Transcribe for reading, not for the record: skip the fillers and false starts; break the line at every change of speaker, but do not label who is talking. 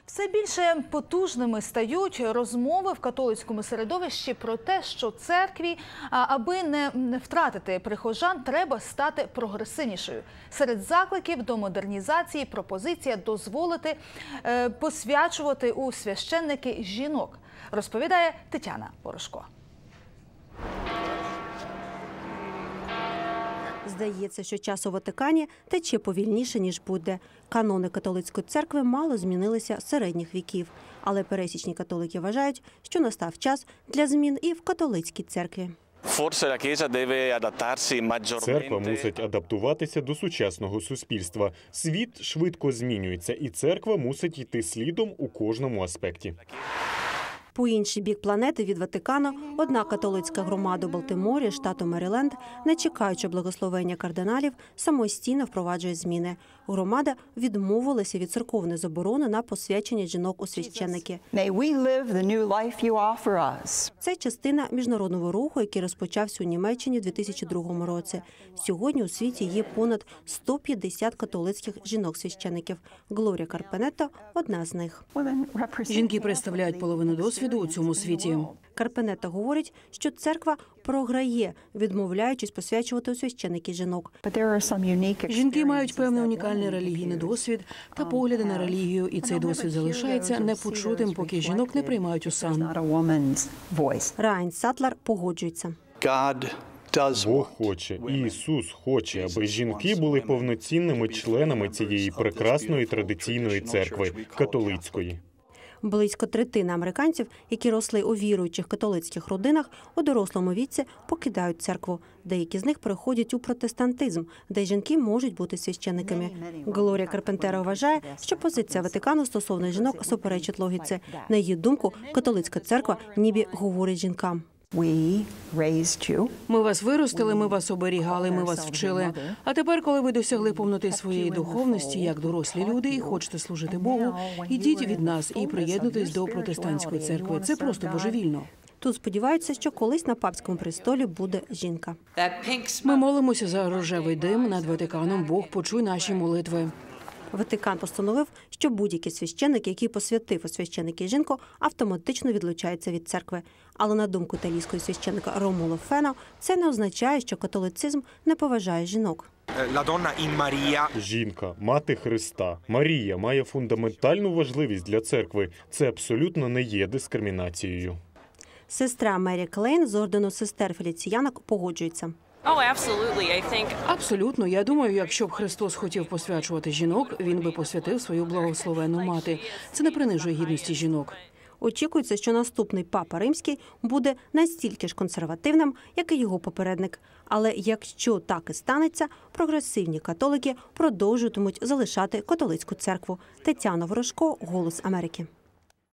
Все більше потужними стають розмови в католицькому середовищі про те, що церкві, аби не втратити прихожан, треба стати прогресивнішою. Серед закликів до модернізації пропозиція дозволити посвячувати у священники жінок, розповідає Тетяна Порошко.
Здається, що час у Ватикані тече повільніше, ніж буде. Канони католицької церкви мало змінилися з середніх віків. Але пересічні католики вважають, що настав час для змін і в католицькій церкві.
Церква мусить адаптуватися до сучасного суспільства. Світ швидко змінюється, і церква мусить йти слідом у кожному аспекті.
По інший бік планети від Ватикану одна католицька громада у Балтиморі, штату Меріленд, не чекаючи благословення кардиналів, самостійно впроваджує зміни. Громада відмовилася від церковної заборони на посвячення жінок у священники. Це частина міжнародного руху, який розпочався у Німеччині у 2002 році. Сьогодні у світі є понад 150 католицьких жінок-священиків. Глорія Карпенетто – одна з них.
Жінки представляють половину досвіду у цьому світі.
Карпенетто говорить, що церква програє, відмовляючись посвячувати у священики жінок.
Жінки мають певний унікальний релігійний досвід та погляди на релігію, і цей досвід залишається непочутим, поки жінок не приймають у сан.
Райан Сатлер погоджується.
Бог хоче, Ісус хоче, аби жінки були повноцінними членами цієї прекрасної традиційної церкви – католицької.
Близько третини американців, які росли у віруючих католицьких родинах, у дорослому віці покидають церкву. Деякі з них переходять у протестантизм, де жінки можуть бути священниками. Глорія Карпентеро вважає, що позиція Ватикану стосовно жінок суперечить логіці. На її думку, католицька церква ніби говорить жінкам.
Ми вас виростили, ми вас оберігали, ми вас вчили. А тепер, коли ви досягли повноти своєї духовності, як дорослі люди, і хочете служити Богу, ідіть від нас і приєднуйтесь до протестантської церкви. Це просто божевільно.
Тут сподіваються, що колись на папському престолі буде жінка.
Ми молимося за рожевий дим над Ватиканом. Бог, почуй наші молитви.
Ватикан постановив, що будь-який священник, який посвятив у священики жінку, автоматично відлучається від церкви. Але на думку італійського священника Ромуло Фено, це не означає, що католицизм не поважає жінок.
Жінка – мати Христа. Марія має фундаментальну важливість для церкви. Це абсолютно не є дискримінацією.
Сестра Мері Клейн з ордену сестер Феліціянок погоджується.
Абсолютно. Я думаю, якщо б Христос хотів посвячувати жінок, він би посвятив свою благословенну мати. Це не принижує гідності жінок.
Очікується, що наступний папа римський буде настільки ж консервативним, як і його попередник. Але якщо так і станеться, прогресивні католики продовжуватимуть залишати католицьку церкву. Тетяна Порошко, «Голос Америки».